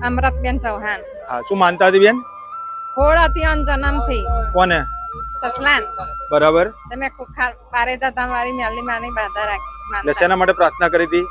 અમૃતબેન ચૌહાણ. હા, શું માનતા હતી બેન? ખોડ હતી અન જન્મથી. કોને? સસલાન. બરાબર. તમે ખુખાર પારે જતા મારી મેલી માની બાધા રાખી. એટલે માનતા. શેના માટે પ્રાર્થના કરી હતી?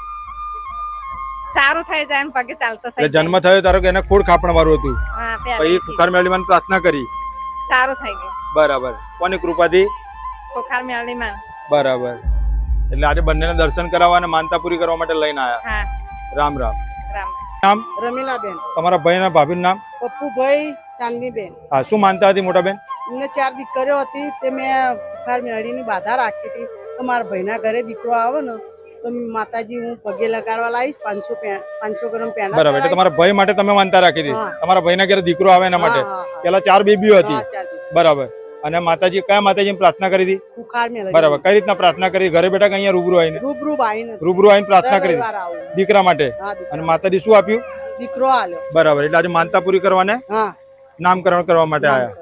સારું થઈ જાય ને પગે ચાલતો થઈ એટલે જન્મ થયો તારો કે એને ખોડ ખાપણ વાળું હતું, હા પછી પહેલેથી ખુખાર મેળી માં પ્રાર્થના કરી. સારું થઈ ગયું. બરાબર. કોની કૃપાથી? ખુખાર મેલી માન. બરાબર. એટલે આજે બંનેને દર્શન કરાવવા અને માનતા પૂરી કરવા માટે લઈને આવ્યા. હા રામ રામ. રામ. નામ? રમીલાબેન. તમારા ભાઈ ના ભાભીનું નામ? પપ્પુભાઈ ચાંદનીબેન. હા, શું માનતા હતી મોટા બેન? એમને 4 દીકરીઓ હતી તે મેં બુખાર મેળીની બાધા રાખી હતી તો મારા ભાઈના ઘરે દીકરો આવે ને તો માતાજી હું પગે લગાડવા લાવીશ 500 ગ્રામ પેંડા. બરાબર. એટલે તમારા ભાઈ માટે તમે માનતા રાખી હતી. હા. તમારા ભાઈના ઘરે દીકરો આવે એના માટે. પેલા 4 બેબીઓ હતી. બરાબર. અને માતાજી કયા માતાજી પ્રાર્થના કરી હતી? બુખાર મેળવી. બરાબર. કઈ રીતના પ્રાર્થના કરી? ઘરે બેઠા કે અહીંયા રૂબરૂ આવીને? રૂબરૂ આવીને રૂબરૂ આવીને પ્રાર્થના કરી દીકરા માટે. અને માતાજી શું આપ્યું? દીકરો આલ્યો. બરાબર. એટલે આજે માનતા પૂરી કરવાને હા નામકરણ કરવા માટે આવ્યા.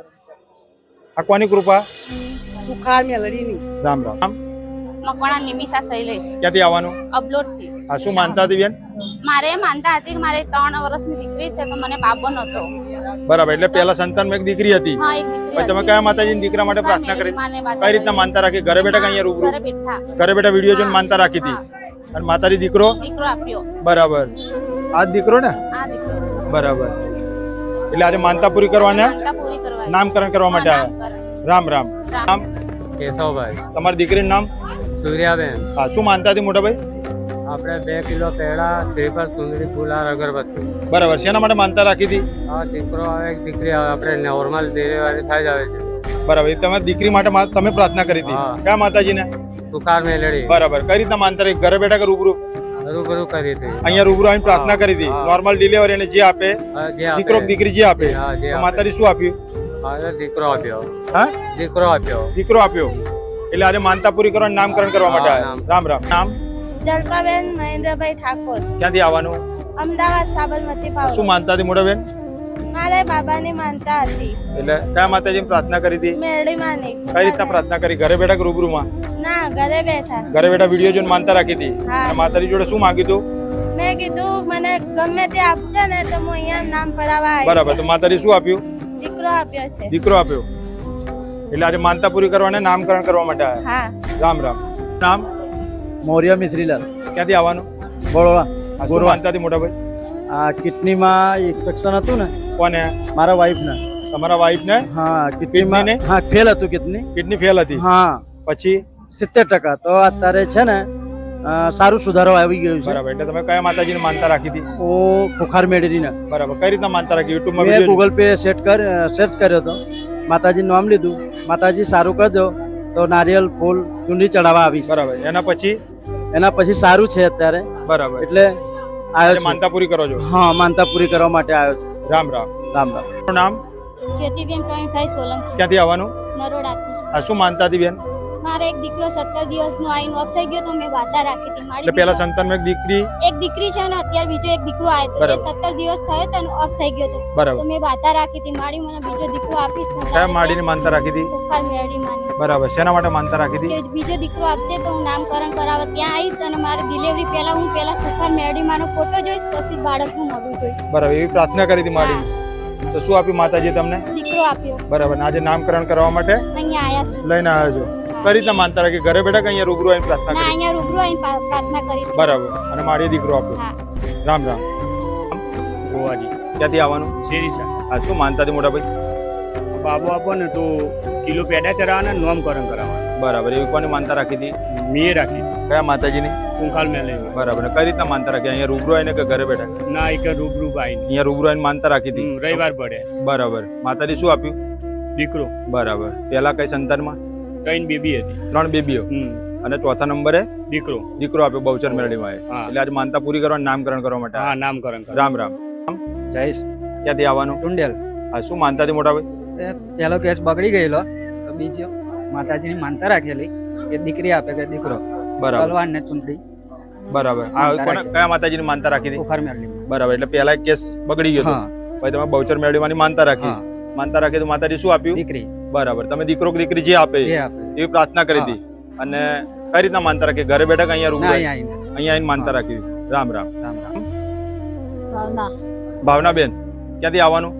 આ કોની કૃપા? બુખાર મેળવીની. રામ રામ. મકવાણા નિમિષા શૈલેષ ક્યાંથી આવવાનું? અબલોડ થી. આ શું માનતા હતી બેન? મારે માનતા હતી કે મારે 3 વર્ષની દીકરી છે તો મને બાબો નતો. બરાબર. એટલે પહેલા સંતાનમાં એક દીકરી હતી. હા એક દીકરી પછી તમે કયા માતાજીની દીકરા માટે પ્રાર્થના કરી? કઈ રીતના માનતા રાખી? ઘરે બેઠા કે અહીંયા રૂબરૂ? ઘરે બેઠા ઘરે બેઠા વિડીયો જોઈને માનતા રાખી હતી. અને માતાજી દીકરો? દીકરો આપ્યો. બરાબર. આ જ દીકરો ને? આ દીકરો. બરાબર. એટલે આજે માનતા પૂરી કરવાને માનતા પૂરી કરવા નામકરણ કરવા માટે આવ્યા. રામ રામ. નામ? કેશવભાઈ. તમારી દીકરીનું નામ? સૂર્યાબેન. હા, શું માનતા હતી મોટા ભાઈ? આપણે 2 કિલો પેડા, શ્રીફળ, સુંદરી, ફૂલાર, અગરબત્તી. બરાબર. શેના માટે માનતા રાખી હતી? આ દીકરો આવે એક દીકરી આવે, આપણે નોર્મલ ડિલિવરી થઈ જ આવે છે. બરાબર. તમે દીકરી માટે તમે પ્રાર્થના કરી હતી. હા. કયા માતાજીને? તુકાર મેલડી. બરાબર. કઈ રીતના માનતા રાખી? ઘરે બેઠા કે રૂબરૂ? રૂબરૂ કરી હતી. અહીંયા રૂબરૂ આવીને પ્રાર્થના કરી હતી. હા. નોર્મલ ડિલિવરી અને જે આપે જે આપે. દીકરો દીકરી જે આપે હા, જે તો આપે. માતાજી શું આપ્યું? હા, દીકરો આપ્યો. હા, દીકરો આપ્યો. દીકરો આપ્યો. એટલે આજે માનતા પૂરી કરવાનું નામકરણ કરવા માટે હા, આવ્યા. રામ રામ. નામ? જલપાબેન મહેન્દ્રભાઈ ઠાકોર. ક્યાંથી આવવાનું? અમદાવાદ સાબરમતી શું પાવર. માનતા હતી મોટા બેન? મારે બાબાની માનતા હતી. એટલે કયા માતાજી પ્રાર્થના કરી હતી? મેરડી માની. કઈ રીતના પ્રાર્થના કરી? ઘરે બેઠા કે રૂબરૂમાં? ના ઘરે બેઠા. ઘરે બેઠા વિડીયો જોઈને માનતા રાખી હતી. હા. અને માતાજી જોડે શું માંગ્યું હતું? મેં કીધું મને ગમે તે આપશે ને તો હું અહીંયા નામ પડાવવા આવીશ. બરાબર. તો માતાજી શું આપ્યું? દીકરો આપ્યો છે. દીકરો આપ્યો. એટલે આજે માનતા પૂરી કરવાને નામકરણ કરવા માટે આવ્યા. હા. રામ રામ. નામ? મૌર્ય મિશ્રીલાલ. ક્યાંથી આવવાનું? બરોડા. આ શું માનતા હતી મોટા ભાઈ? આ કિડનીમાં ઇન્ફેક્શન હતું ને કોને? મારા વાઈફ ને. તમારા વાઈફ ને? હા કિડનીમાં. કિડની ને? હા ફેલ હતું કિડની. કિડની ફેલ હતી. હા પછી 70%. તો અત્યારે છે ને સારું સુધારો આવી ગયું છે. બરાબર. એટલે તમે કયા માતાજીને માનતા રાખી હતી? ઓ ખુખાર મેળવીને. બરાબર. કઈ રીતના માનતા રાખી? યુટ્યુબમાં મેં વિડીયો ગૂગલ પે સર્ચ કર્યો હતો. માતાજીનું નામ લીધું. માતાજી સારું કરજો તો નારિયેલ ફૂલ ચૂંડી ચડાવવા આવીશ. બરાબર. એના પછી સારું છે અત્યારે. બરાબર. એટલે આવ્યો છું. માનતા પૂરી કરો છો? હા માનતા પૂરી કરવા માટે આવ્યો છું. રામ રામ. રામ રામ. તમારું નામ? જ્યોતિબેન પ્રવીણભાઈ સોલંકી. ક્યાંથી આવવાનું? નરોડાથી. આ શું માનતા હતી બેન? મારે એક દીકરો 17 દિવસનો આઈન ઓફ થઈ ગયો તો મેં વાતા રાખી હતી. એટલે પેલા સંતાનમાં એક દીકરી? એક દીકરી છે ને અત્યારે બીજો એક દીકરો આવ્યો તો બરાબર. 17 દિવસ થયો તો ઓફ થઈ ગયો તો બરાબર. મેં વાતા રાખી હતી માડી મને બીજો દીકરો આપીશ તો કયા માડીની માનતા રાખી હતી? ખુખાર મેરડી માની. બરાબર. શેના માટે માનતા રાખી હતી? કે બીજો દીકરો આપશે તો હું નામકરણ કરાવવા ત્યાં આવીશ અને મારી ડિલિવરી પહેલા હું ખુખાર મેરડી માનો ફોટો જોઈશ પછી બાળકનું મોઢું જોઈશ. બરાબર. એવી પ્રાર્થના કરી હતી માડી. તો શું આપ્યું માતાજી તમને? દીકરો આપ્યો. બરાબર. આજે નામકરણ કરવા માટે અહીંયા આયા છે. લઈને આવ્યો છો. કઈ રીતના માનતા રાખી? ઘરે બેઠા કે અહીંયા રૂબરૂ આવીને પ્રાર્થના ના કરી? અહીંયા રૂબરૂ આવીને પ્રાર્થના કરી હતી. બરાબર. અને માડીએ દીકરો આપ્યો. હા. રામ રામ. ગોવાજી. ક્યાંથી આવવાનું? શેરીસા. આ શું માનતા હતી મોટા ભાઈ? બાબુ આપો ને તો કિલો પેડા ચડાવવાના નામકરણ કરાવવાના. બરાબર. એવી કોની માનતા રાખી હતી? મેં રાખી કયા માતાજીની? કુંખાલ મેં લઈને. બરાબર. કઈ રીતના માનતા રાખી? અહીંયા રૂબરૂ આવીને કે ઘરે બેઠા? ના એક રૂબરૂ આવીને. અહીંયા રૂબરૂ આવીને માનતા રાખી હતી. રવિવાર પડે. બરાબર. માતાજી શું આપ્યું? દીકરો. બરાબર. પેલા કઈ સંતાનમાં? 3 બેબી હતી. 3 બેબીઓ. અને ચોથા નંબરે દીકરો. દીકરો આપ્યો બહુચર મેળવીમાં. હા. એટલે આજે માનતા પૂરી કરવાનું નામકરણ કરવા માટે. હા નામકરણ કરાવ. રામ રામ. જયેશ ક્યાંથી આવવાનું? ટુંડેલ. આ શું માનતા હતી મોટા ભાઈ? પહેલો કેસ બગડી ગયેલો તો બીજો માતાજીની માનતા રાખેલી કે દીકરી આપે કે દીકરો. બરાબર. તલવાર ને ચૂંટણી. બરાબર. આ કયા માતાજીની માનતા રાખી હતી? ખુખાર મેળવી. બરાબર. એટલે પેલા એક કેસ બગડી ગયો હતો. હા પછી તમે બહુચર મેળવીમાંની માનતા રાખી. હા. માનતા રાખી તો માતાજી શું આપ્યું? દીકરી. બરાબર. તમે દીકરો કે દીકરી જે આપે જે આપે એવી પ્રાર્થના કરી હતી. અને કઈ રીતના માનતા રાખી? ઘરે બેઠા કે અહીંયા રૂબરૂ? ના અહીંયા અહીંયા આવીને માનતા રાખી. રામ રામ. રામ રામ. ભાવના. ભાવનાબેન ક્યાંથી આવવાનું?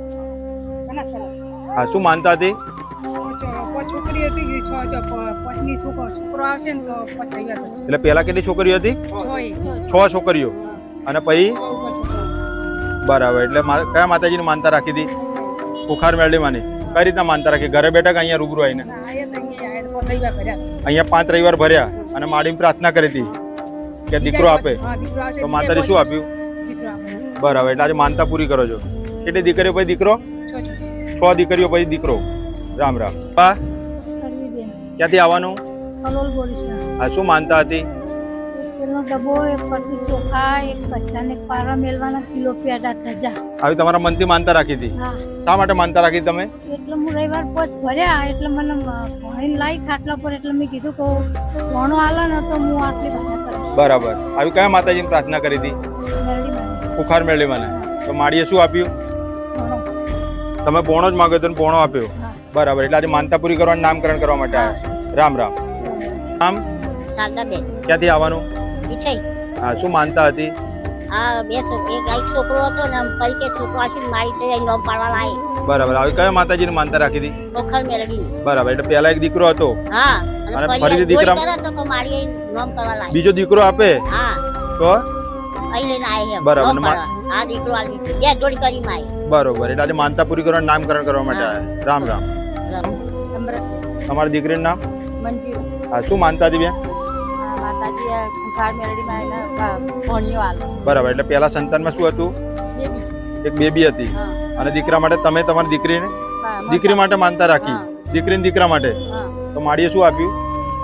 હા, શું માનતા હતી? છોકરી હતી પત્ની છોકરો આવશે ને તો 5 રવિવાર પછી એટલે પેલા કેટલી છોકરીઓ હતી? 6 છોકરીઓ. અને પછી બરાબર. એટલે કયા માતાજીની માનતા રાખી હતી? કુખાર મેરડીમાંની. કઈ રીતના માનતા રાખી? ઘરે બેઠા કે અહીંયા રૂબરૂ આવીને? અહીંયા 5 રવિવાર ભર્યા અને માડીને પ્રાર્થના કરી હતી કે દીકરો આપે. તો માતાજી શું આપ્યું? બરાબર. એટલે આજે માનતા પૂરી કરો છો. કેટલી દીકરીઓ પછી દીકરો? 6 દીકરીઓ પછી દીકરો. રામ રામ. બા ક્યાંથી આવવાનું? હા, શું માનતા હતી? ડબ્બો એક પરથી ચોખા એક બચ્ચાને પારા મેળવાના કિલો પેડા ધજા. આવી તમારા મનથી માનતા રાખી હતી? હા. શા માટે માનતા રાખી તમે? એટલે હું રવિવાર પોચ ભર્યા એટલે મને પાણી લાવી ખાટલા પર એટલે મેં કીધું કે ભણો હાલે ને તો હું આટલી ભાષા કરીશ. બરાબર. આવી કયા માતાજીની પ્રાર્થના કરી હતી? કુખાર મેળવી મને. તો માડીએ શું આપ્યું? તમે પોણો જ માંગ્યો તો પોણો આપ્યો. બરાબર. એટલે આજે માનતા પૂરી કરવાનું નામકરણ કરવા માટે આવ્યા. રામ રામ. નામ? શારદાબેન. ક્યાંથી આવવાનું? મીઠાઈ. હા, શું માનતા હતી? આ એક છોકરો હતો ને ફરી કે છોકરો આશી મારી તો નોમ પાડવા લાય. બરાબર. આવી કયા માતાજીની માનતા રાખી હતી? ઓખર મેલડી. બરાબર. એટલે પહેલા એક દીકરો હતો. હા. અને ફરીથી દીકરા તો મારી નોમ કરવા લાય. બીજો દીકરો આપે. હા. તો અહીં લઈને આય હે. બરાબર. આ દીકરો આવી બે જોડી કરી માય. બરોબર. એટલે આજે માનતા પૂરી કરવાનું નામકરણ કરવા માટે આવ્યા. રામ રામ. તમારી દીકરીનું નામ? મંજુ. હા, શું માનતા હતી બેન? માતાજી કુખાર મેરડીમાં ભણ્યો હાલ બરાબર. એટલે પહેલા સંતાનમાં શું હતું? એક બેબી હતી. અને દીકરા માટે તમે તમારી દીકરીને દીકરી માટે માનતા રાખી. દીકરીને દીકરા માટે. તો માડીએ શું આપ્યું?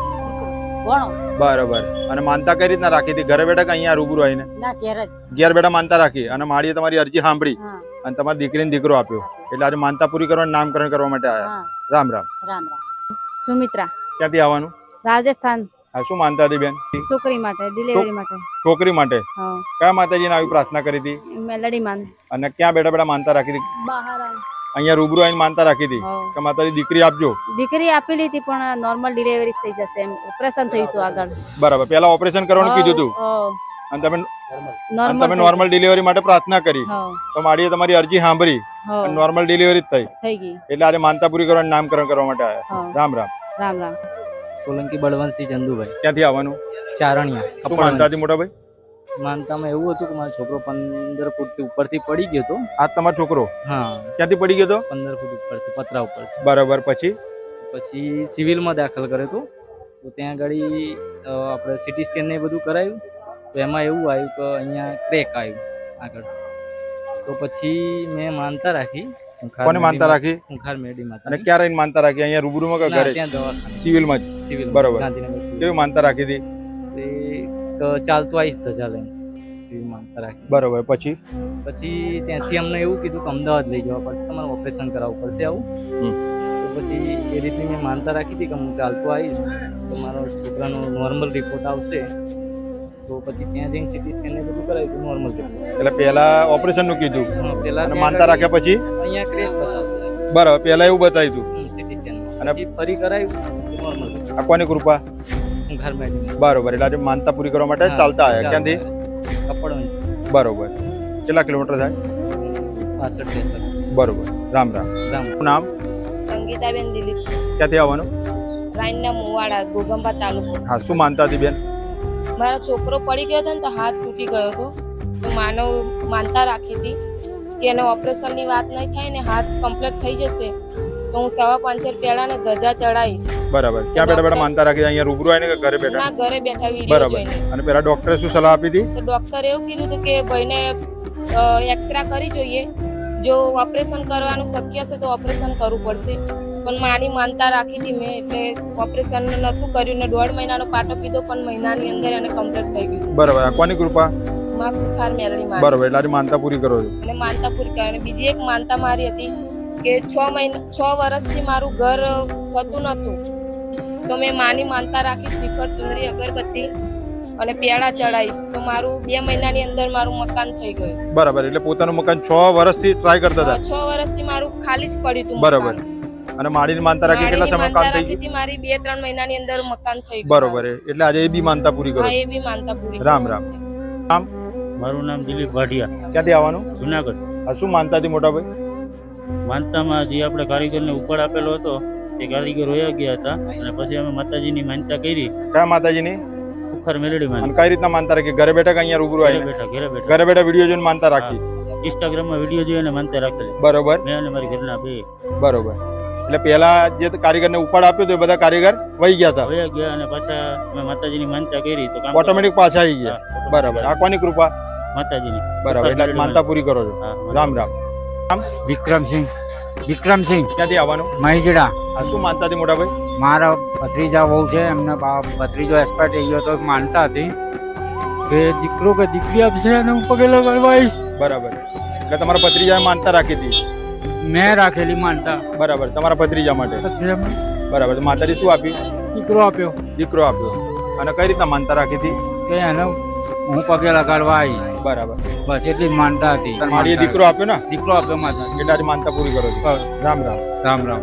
બરાબર. અને માનતા કઈ રીતના રાખી હતી? ઘરે બેઠા કે અહીંયા રૂબરૂ આવીને? ઘેર બેઠા માનતા રાખી અને માડીએ તમારી અરજી સાંભળી અને તમારી દીકરીને દીકરો આપ્યો. એટલે આજે માનતા પૂરી કરવાનું નામકરણ કરવા માટે આવ્યા. રામ રામ. સુમિત્રા. ક્યાંથી આવવાનું? રાજસ્થાન. હા, શું માનતા હતી બેન? છોકરી માટે ડિલિવરી માટે. છોકરી માટે. કયા માતાજીને આવી પ્રાર્થના કરી હતી? મેલડી માન. અને ક્યાં બેઠા બેઠા માનતા રાખી હતી? બહાર અહીંયા રૂબરૂ આવીને માનતા રાખી હતી કે માતાજી દીકરી આપજો. દીકરી આપેલી હતી પણ નોર્મલ ડિલિવરી થઈ જશે એમ ઓપરેશન થયું હતું આગળ. બરાબર. પહેલા ઓપરેશન કરવાનું કીધું હતું અને તમે નોર્મલ ડિલિવરી માટે પ્રાર્થના કરી. તો માડીએ તમારી અરજી સાંભળી અને નોર્મલ ડિલિવરી થઈ ગઈ. એટલે આજે માનતા પૂરી કરવાનું નામકરણ કરવા માટે આવ્યા. રામ રામ. રામ રામ. સોલંકી બળવંતસિંહ ચંદુભાઈ. ક્યાંથી આવવાનું? ચારણિયા. શું માનતા હતી મોટા ભાઈ? માનતામાં એવું હતું કે મારો છોકરો 15 ફૂટ ઉપરથી પડી ગયો હતો. આ તમારો છોકરો? હા. ક્યાંથી પડી ગયો હતો? 15 ફૂટ ઉપરથી પતરા ઉપર. બરાબર. પછી સિવિલમાં દાખલ કર્યો હતો. તો ત્યાં આગળ આપણે સિટી સ્કેન ને બધું કરાયું. તો એમાં એવું આવ્યું કે અહીંયા ક્રેક આવ્યું આગળ. તો પછી મેં માનતા રાખી. કોને માનતા રાખી? કુખાર મેરડી માતા. અને ક્યારે આવીને માનતા રાખી? અહીંયા રૂબરૂમાં કે ઘરે? ત્યાં દવાખાને. સિવિલમાં જ? સિવિલ. બરાબર. ગાંધીનગર. કેવી માનતા રાખી હતી? ચાલતો આવીશ ધજા લઈને એવી માનતા રાખી. બરાબર. પછી ત્યાંથી અમને એવું કીધું કે અમદાવાદ લઈ જવા પડશે, તમારે ઓપરેશન કરાવવું પડશે આવું. તો પછી એ રીતની મેં માનતા રાખી હતી કે હું ચાલતો આવીશ તો મારો છોકરાનો નોર્મલ રિપોર્ટ આવશે. તો પછી ત્યાં જઈને સિટી સ્કેન ને બધું કરાવ્યું તો નોર્મલ રિપોર્ટ. એટલે પહેલા ઓપરેશન નું કીધું પહેલા માનતા રાખ્યા પછી અહીંયા ક્રેક બતાવ્યું. બરાબર. પહેલા એવું બતાવ્યું સિટી સ્કેન અને પછી ફરી કરાવ્યું નોર્મલ. આ કોની કૃપા? ઘર મેડી. બરોબર. એટલે આજે માનતા પૂરી કરવા માટે ચાલતા આવ્યા. ક્યાંથી? કપડવંજ. બરોબર. કેટલા કિલોમીટર થાય? 65. બરોબર. રામ રામ. નામ? સંગીતાબેન દિલીપ. ક્યાંથી આવવાનું? રાઈનના મુવાડા ગોગંબા તાલુકો. હા, શું માનતા હતી બેન? મારો છોકરો પડી ગયો હતો ને તો હાથ તૂટી ગયો હતો. તો માનતા રાખી હતી કે એને ઓપરેશનની વાત નહીં થાય ને હાથ કમ્પ્લીટ થઈ જશે તો હું 5.5 પેલા ને ધજા ચડાવીશ. બરાબર. ક્યાં બેઠા બેઠા માનતા રાખી? અહીંયા રૂબરૂ આવીને કે ઘરે બેઠા? ના, ઘરે બેઠા વિડીયો જોઈને. અને પેલા ડોક્ટરે શું સલાહ આપી હતી? તો ડોક્ટરે એવું કીધું હતું કે ભાઈને એક્સરે કરી જોઈએ, જો ઓપરેશન કરવાનું શક્ય છે તો ઓપરેશન કરવું પડશે. પણ માની માનતા રાખી હતી મેં એટલે ઓપરેશન નતું કર્યું ને 1.5 મહિનાનો પાટો કીધો પણ મહિનાની અંદર એને કમ્પ્લીટ થઈ ગયું. બરાબર. આ કોની કૃપા? માં કુખાર મેરડી માં. બરાબર. એટલે આજે માનતા પૂરી કરો છો? અને માનતા પૂરી કરી. અને બીજી એક માનતા મારી હતી કે 6 વર્ષથી મારું ઘર થતું નતું તો મેં માની માનતા રાખી શ્રીફળ ચુંદરી અગરબત્તી અને પેડા ચડાવીશ તો મારું 2 મહિનાની અંદર મારું મકાન થઈ ગયું. બરાબર. એટલે પોતાનું મકાન 6 વર્ષથી ટ્રાય કરતા હતા? 6 વર્ષથી મારું ખાલી જ પડ્યું હતું. બરાબર. અને માડીની માનતા રાખી કેટલા સમય કામ થઈ ગયું? મારી 2-3 મહિનાની અંદર મકાન થઈ ગયું. બરોબર. એટલે આજે એ બી માનતા પૂરી કરો? હા, એ બી માનતા પૂરી. રામ રામ. નામ? મારું નામ દિલીપ ભાટિયા, ક્યાંથી આવવાનું? જુનાગઢ. આ શું માનતા હતી મોટા ભાઈ? માનતામાં જે આપણે કારીગરને ઉપાડ આપેલો હતો તે કારીગર વયા ગયા હતા અને પછી અમે માતાજીની માનતા કરી. કયા માતાજીની? ખુખાર મેલડી અને માની. કઈ રીતના માનતા રાખી? ઘરે બેઠા કે અહીંયા રૂબરૂ ઘરે આવીને? બેઠા ઘરે બેઠા ઘરે બેઠા વિડીયો જોઈને માનતા રાખી. ઇન્સ્ટાગ્રામમાં વિડીયો જોઈને માનતા રાખેલી, બરોબર મેં અને મારી ઘરના બે. બરોબર. એટલે પેલા જે કારીગરને ઉપાડ આપ્યો તો એ બધા કારીગર વહી ગયા હતા, વયા ગયા અને પાછા અમે માતાજીની માનતા કરી તો કામ ઓટોમેટિક પાછા આવી ગયા. હા, બરાબર. આ કોની કૃપા? માતાજીની. બરાબર. એટલે માનતા પૂરી કરો છો. હા, રામ રામ. વિક્રમસિંહ. વિક્રમસિંહ ક્યાંથી આવવાનું? મહીજડા. આ શું માનતા હતી મોટા ભાઈ? મારા ભત્રીજા બહુ છે, એમને ભત્રીજો એક્સપાયર થઈ ગયો તો માનતા હતી કે દીકરો કે દીકરી આપશે અને હું પગે લગાડવા આવીશ. બરાબર. એટલે તમારા ભત્રીજાએ માનતા રાખી હતી? મેં રાખેલી માનતા. બરાબર. તમારા ભત્રીજા માટે? ભત્રીજામાં બરાબર. તો માતાજી શું આપ્યું? દીકરો આપ્યો. દીકરો આપ્યો. અને કઈ રીતના માનતા રાખી હતી? કે એને હું પગે લગાડવા આવીશ. બરાબર. બસ એટલી જ માનતા હતી. મારીએ દીકરો આપ્યો ને? દીકરો આપ્યો માતા. એટલે આજે માનતા પૂરી કરો છો. રામ રામ. રામ રામ.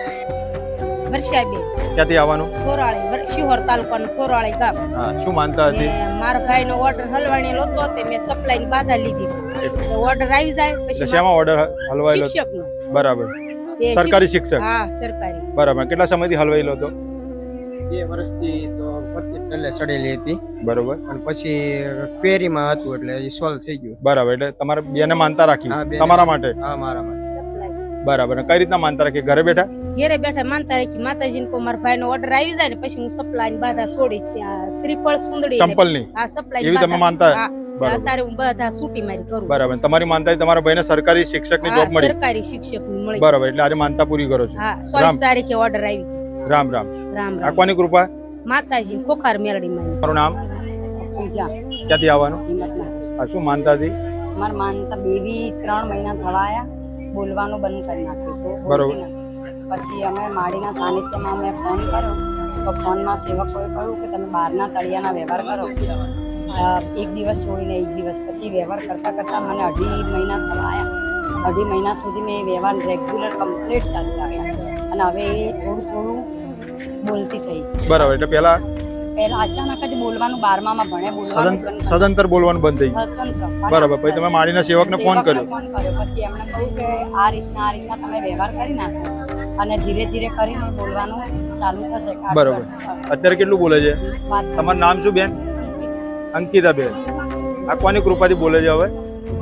વર્ષાબેન ક્યાંથી આવવાનું? થોરાળી, શિહોર તાલુકાનું થોરાળી ગામ. હા. શું માનતા હતી? મારા ભાઈનો ઓર્ડર હલવાણી લોતો તે મેં સપ્લાયની બાધા લીધી. તો ઓર્ડર આવી જાય એટલે પછી શેમાં ઓર્ડર હલવાયેલો? શિક્ષકનો. બરાબર. એ સરકારી શિક્ષક? હા, સરકારી. બરાબર. કેટલા સમયથી હલવાયેલો હતો? 2 વર્ષથી તો એટલે ચડેલી હતી. બરોબર. અને પછી ક્વેરીમાં હતું એટલે એ સોલ્વ થઈ ગયું. બરાબર. એટલે તમારે બેને માનતા રાખી હા, બેને. તમારા માટે? હા, મારા માટે. બરાબર. અને કઈ રીતના માનતા રાખી? ઘરે બેઠા? ઘેરે બેઠા માનતા રાખી માતાજીને કો મારા ભાઈનો ઓર્ડર આવી જાય ને પછી હું સપ્લાયની બાધા છોડી ત્યાં શ્રીફળ સુંદડી ને- ચંપલની? હા, સપ્લાય એવી તમે માનતા? બરાબર. અત્યારે હું બધા છૂટી મારી કરું છું. બરાબર. તમારી માનતા તમારા ભાઈને સરકારી શિક્ષકની હા, જોબ મળી? સરકારી શિક્ષકની મળી. બરાબર. એટલે આજે માનતા પૂરી કરો છો. હા, 24 તારીખે ઓર્ડર આવી. રામ રામ. રામ આ રામ. કોની કૃપા? માતાજી ખોખાર મેલડી માં. તમારું નામ? પૂજા ક્યાંથી આવવાનું? હિંમતનગર. આ શું માનતા હતી? મારા માનતા બેબી 3 મહિના થવા આયા, બોલવાનું બંધ કરી નાખ્યું તો બરોબર. બોલતી નથી. પછી અમે માડીના સાનિધ્યમાં મેં ફોન કર્યો તો ફોનમાં સેવકોએ કહ્યું કે તમે બહારના તળિયાના વ્યવહાર કરો. એક દિવસ છોડીને એક દિવસ પછી વ્યવહાર કરતાં કરતાં મને 2.5 મહિના થવા આવ્યા. 2.5 મહિના સુધી મેં એ વ્યવહાર રેગ્યુલર કમ્પ્લીટ ચાલુ રાખ્યા અને હવે એ થોડું થોડું બોલતી થઈ. બરાબર. એટલે પેલા અચાનક જ બોલવાનું 12મામાં ભણે બોલવાનું બંધ કરી સદંતર બોલવાનું બંધ થઈ ગયું. સ્વતંત્ર. બરાબર. પછી તમે માળીના સેવકને ફોન કર્યો? ફોન કર્યો પછી એમણે કહ્યું કે આ રીતના તમે વ્યવહાર કરી નાખો અને ધીરે ધીરે કરીને બોલવાનું ચાલુ થશે. બરાબર. અત્યારે કેટલું બોલે છે? વાત તમારું નામ શું બેન? અંકિતા બેન. આ કોની કૃપાથી બોલે છે હવે?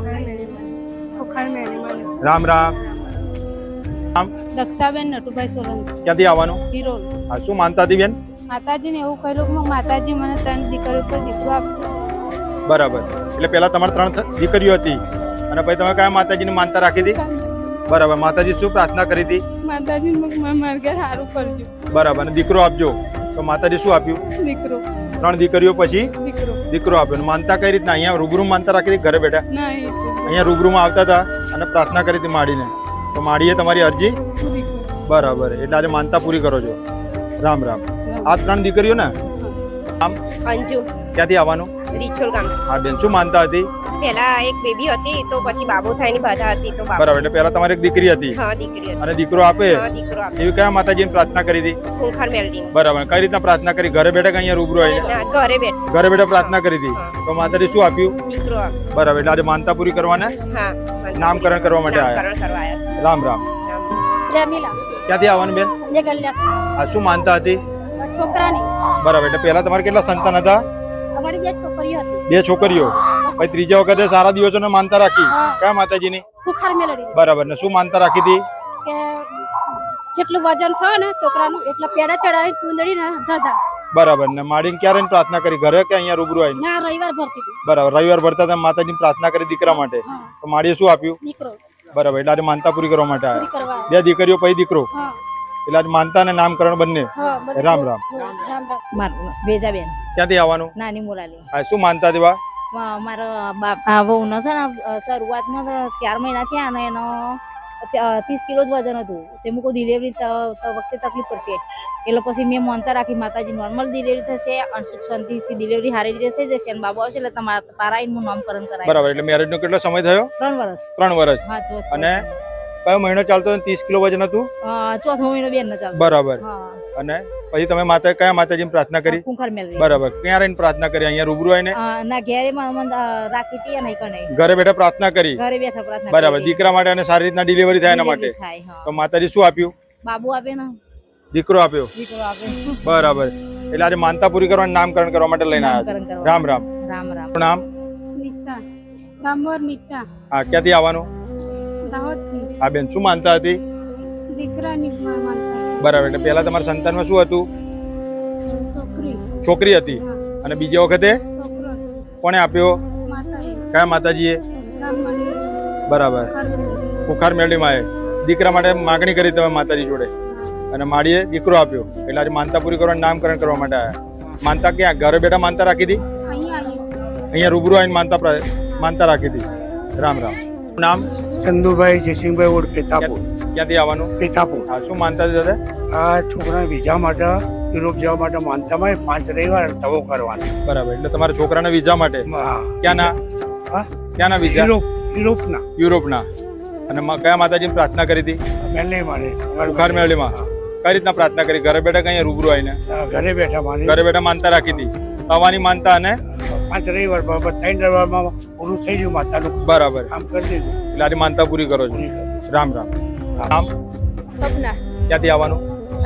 રામ રામ. દક્ષાબેન નટુભાઈ સોલંકી, ક્યાંથી આવવાનું? વિરોલ. આ શું માનતા હતી બેન? માતાજીને એવું કહેલું કે માતાજી મને 3 દીકરીઓ પર દીકરો આપશે. બરાબર. એટલે પેલા તમારે 3 દીકરીઓ હતી અને પછી તમે કયા માતાજીની માનતા રાખી હતી? બરાબર. માતાજી શું પ્રાર્થના કરી હતી? માતાજી મારા ઘર સારું કરજો, બરાબર. અને દીકરો આપજો. તો માતાજી શું આપ્યું? દીકરો 3 દીકરીઓ પછી દીકરો દીકરો આપ્યો. અને માનતા કઈ રીતના? અહીંયા રૂબરૂ માનતા રાખી હતી? ઘરે બેઠા ના અહીંયા રૂબરૂમાં આવતા હતા અને પ્રાર્થના કરી હતી માડીને, તો માડીએ તમારી અરજી? બરાબર. એટલે આજે માનતા પૂરી કરો છો. રામ રામ. આ 3 દીકરીઓ ને? આમ અંજુ, ક્યાંથી આવવાનું? રીછોલ ગામ. હા બેન. શું માનતા હતી? પહેલા એક બેબી હતી તો પછી બાબો થાયની બાધા હતી તો બાબો. બરાબર. એટલે પહેલા તમારી એક દીકરી હતી હા, દીકરી હતી. અને દીકરો આપે હા, દીકરો આપે. એવી કયા માતાજીની પ્રાર્થના કરી હતી? ખૂંખાર મેલડી. બરાબર. કઈ રીતના પ્રાર્થના કરી? ઘરે બેઠા કે અહીંયા રૂબરૂ આવીને? ના, ઘરે બેઠ ઘરે બેઠા પ્રાર્થના કરી હતી તો માતાજી શું આપ્યું? દીકરો આપે. બરાબર. એટલે આજે માનતા પૂરી કરવાના હા, નામકરણ કરવા માટે આવ્યા. નામકરણ કરવા આવ્યા છે. રામ રામ. રમીલા ક્યાંથી આવવાનું બેન? જે ગલ્યા આ શું માનતા હતી? છોકરાની બરાબર. એટલે પહેલા તમારે કેટલા સંતાન હતા? અમારી 2 છોકરીઓ હતી. 2 છોકરીઓ. પછી ત્રીજા વખતે સારા દિવસોને માનતા રાખી. કયા માતાજીની? ખુખાર મેલડી બરાબર. ને શું માનતા રાખી હતી? કે જેટલું વજન થાય ને છોકરાનું એટલા પેડા ચડાવી ચૂંદડી ને ધધા. બરાબર. ને માડીને ક્યારે પ્રાર્થના કરી? ઘરે કે અહીંયા રૂબરૂ આવીને? ના રવિવાર ભરતી હતી. બરાબર. રવિવાર ભરતા તમે માતાજીની પ્રાર્થના કરી દીકરા માટે, તો માડીએ શું આપ્યું? દીકરો બરાબર. એટલે આજે માનતા પૂરી કરવા માટે પૂરી આવ્યા. કરવા. 2 દીકરીઓ પછી દીકરો. હા એટલે આજે માનતા અને નામકરણ બંને. હા બધું. રામ રામ. રામ રામ. મારું વેજાબેન, ક્યાંથી આવવાનું? નાની મુરાલી. આ શું માનતા હતી? મારા બાપ વહુનો છે ને શરૂઆતમાં 4 મહિના થયા ને એનો 30 કિલો જ વજન હતું. તે મૂકો ડિલિવરી વખતે તકલીફ પડશે એટલે પછી મેં માનતા રાખી માતાજી નોર્મલ ડિલિવરી થશે અને સુખ શાંતિથી ડિલિવરી સારી રીતે થઈ જશે અને બાબુ આવશે એટલે તમારા પારાઈનું નામકરણ કરાય. બરાબર. એટલે મેરેજ નો કેટલો સમય થયો? 3 વર્ષ. 3 વર્ષ. હા, તો અને કયો મહિનો ચાલતો 30 કિલો વજન હતું? ચોથો મહિનો બેન ચાલતો. બરાબર. અને પછી તમે કયા માતાજીની પ્રાર્થના કરી? કુંખાર મેળવી. બરાબર. ક્યાં રહીને પ્રાર્થના કરી? અહીંયા રૂબરૂ આવીને? ના ઘેરે માં રાખી હતી અને કઈ નહીં. ઘરે બેઠા પ્રાર્થના કરી? ઘરે બેઠા પ્રાર્થના. બરાબર. દીકરા માટે અને સારી રીતના ડિલિવરી થાય એના માટે. તો માતાજી શું આપ્યું? બાબુ આપે ને. દીકરો આપ્યો. દીકરો આપે. બરાબર. એટલે આજે માનતા પૂરી કરવાનું નામકરણ કરવા માટે લઈને આવ્યા. રામ રામ. રામ રામ. નામ? નીતા રામવર નીતા હા, ક્યાંથી આવવાનું? દાહોદથી. હા બેન, શું માનતા હતી? દીકરાની માનતા. બરાબર. એટલે પહેલા તમારા સંતાનમાં શું હતું? છોકરી. છોકરી હતી. અને બીજી વખતે છોકરો. કોણે આપ્યો? માતાએ. કયા માતાજીએ? રામમણી. બરાબર. કુખાર મેળવીમાં દીકરા માટે માગણી કરી તમે માતાજી જોડે અને માળીએ દીકરો આપ્યો. એટલે આજે માનતા પૂરી કરવાનું નામકરણ કરવા માટે આવ્યા. માનતા ક્યાં? ઘરે બેઠા માનતા રાખી હતી? અહીંયા રૂબરૂ આવીને માનતા રાખી હતી. રામ રામ. નામ? ચંદુભાઈ જયસિંહભાઈ ઓડ પેતાપુર. ક્યાંથી આવવાનું? પેતાપુર. હા, શું માનતા હતી દાદા? આ છોકરાને વિઝા માટે યુરોપ જવા માટે માનતામાં 5 રવિવાર તવો કરવાનો. બરાબર. એટલે તમારા છોકરાના વિઝા માટે? ક્યાંના? ક્યાંના વિઝા? યુરોપના. યુરોપના. અને કયા માતાજીની પ્રાર્થના કરી હતી? કુખાર મેળવીમાં. કઈ રીતના પ્રાર્થના કરી? ઘરે બેઠા કઈ રૂબરૂ આવીને? ઘરે બેઠા ઘરે બેઠા માનતા રાખી હતી. તવાની માનતા અને 5 રવિવાર 3 રવિવારમાં પૂરું થઈ ગયું માતાનું. બરાબર. કામ કરી દીધું. એટલે આજે માનતા પૂરી કરો છો. રામ રામ. નામ? સપના. ક્યાંથી આવવાનું?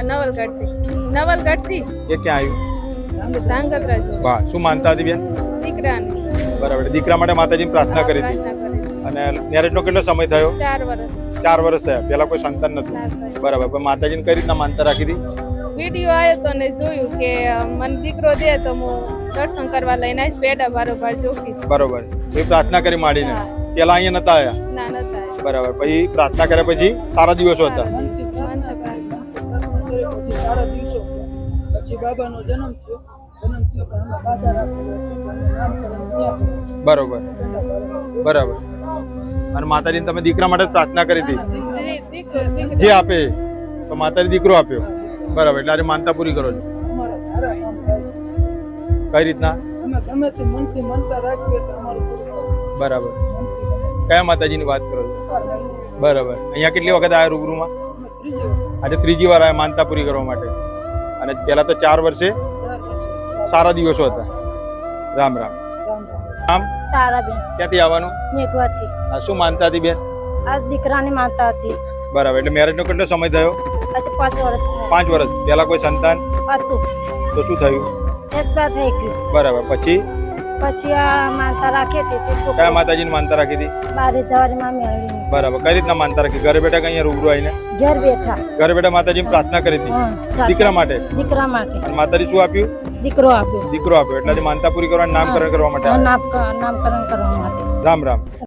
નવલગઢથી. એ ક્યાં આવ્યું? ધાંગધ્રા જો. વાહ, શું માનતા હતી બેન? દીકરાની. બરાબર. દીકરા માટે માતાજીની પ્રાર્થના કરી હતી. અને મેરેજનો કેટલો સમય થયો? 4 વર્ષ. 4 વર્ષ થયા. પેલા કોઈ સંતાન નતું? બરાબર. પણ માતાજીને કઈ રીતના માનતા રાખી હતી? વિડીયો આવ્યો તો ને જોયું કે મને દીકરો દે તો હું દર્શન કરવા લઈને આવીશ, પેડા બારોબાર જોઈશ. બરોબર. એ પ્રાર્થના કરી માંડીને. પેલા અહીંયા નતા આવ્યા? ના નતા. બરાબર. પછી પ્રાર્થના કર્યા પછી સારા દિવસો હતા? પછી બાબાનો જન્મ થયો. બરોબર. બરાબર. અને માતાજીને તમે દીકરા માટે પ્રાર્થના કરી હતી? જે આપે તો માતાજી દીકરો આપ્યો. બરાબર. એટલે આજે માનતા પૂરી કરો છો. કઈ રીતના? બરાબર. કયા માતાજીની વાત કરો છો? બરાબર. અહીંયા કેટલી વખત આવ્યા રૂબરૂમાં? આજે 3જી વાર આવ્યા માનતા પૂરી કરવા માટે. અને પેલા તો 4 વર્ષે સારા દિવસો હતા. રામ રામ. નામ? તારાબેન. ક્યાંથી આવવાનું? મેઘવાથી. આ શું માનતા હતી બેન? આ દીકરાની માનતા હતી. બરાબર. એટલે મેરેજનો કેટલો સમય થયો? આજે 5 વર્ષ. 5 વર્ષ. પેલા કોઈ સંતાન હતું તો શું થયું? એસપા થઈ ગયું. બરાબર. પછી આ માનતા રાખી હતી તે કયા છોકરા માતાજીની માનતા રાખી હતી? 12 જવારીમાં મેળવી. બરાબર. કઈ રીતના માનતા રાખી? ઘરે બેઠા કઈ રૂબરૂ આવીને? ઘર બેઠા. ઘરે બેઠા માતાજીની પ્રાર્થના કરી હતી દીકરા માટે? દીકરા માટે. માતાજી શું આપ્યું? દીકરો આપ્યો. દીકરો આપ્યો. એટલે આજે માનતા પૂરી કરવાનું નામકરણ કરવા માટે આવ્યા. નામકરણ કરવા માટે. રામ રામ.